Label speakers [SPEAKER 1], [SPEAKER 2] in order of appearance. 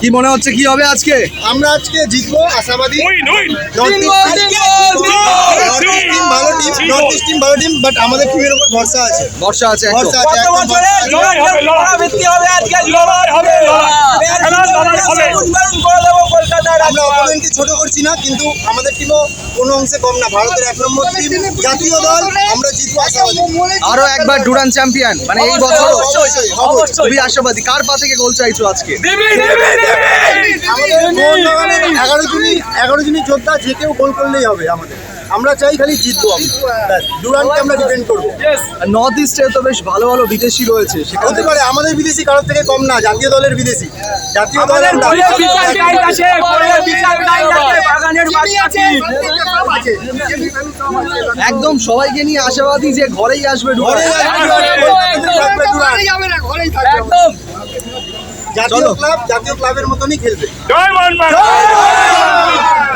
[SPEAKER 1] কি মনে হচ্ছে কি হবে আজকে?
[SPEAKER 2] আমরা আজকে জিতবো আশাবাদী। নর্থ ইস্ট টিম ভালো টিম, বাট আমাদের টিমের উপর ভরসা আছে।
[SPEAKER 1] ভরসা আছে একদম।
[SPEAKER 2] ভরসা আছে, একদম ভরসা আছে। আমরা অপোনেন্টকে ছোট করছি না, কিন্তু আমাদের টিমও কোনো অংশে কম না। ভারতের 1 নম্বর টিম, জাতীয় দল, আমরা জিতবো আশাবাদী।
[SPEAKER 1] আরো একবার ডুরান চ্যাম্পিয়ন, মানে এই বছর
[SPEAKER 2] অবশ্যই, অবশ্যই।
[SPEAKER 1] খুবই আশাবাদী। কার পা থেকে গোল চাইছো আজকে?
[SPEAKER 2] আমাদের মোহনবাগানের 11 জনই যোদ্ধা, যে কেউ গোল করলেই হবে আমাদের। আমরা চাই খালি জিতবো আমরা, ব্যাস। ডুরানকে আমরা ডিফেন্ড করবো।
[SPEAKER 1] নর্থ ইস্টে তো বেশ ভালো ভালো বিদেশি রয়েছে, সেখানে
[SPEAKER 2] হতে পারে আমাদের বিদেশি কারোর থেকে কম না, জাতীয় দলের বিদেশি। জাতীয় দলের
[SPEAKER 1] একদম সবাইকে নিয়ে আশাবাদী যে ঘরেই আসবে ডুরান।
[SPEAKER 2] জাতীয় ক্লাবের মতনই খেলবে।
[SPEAKER 3] জয় মোহনবাগান।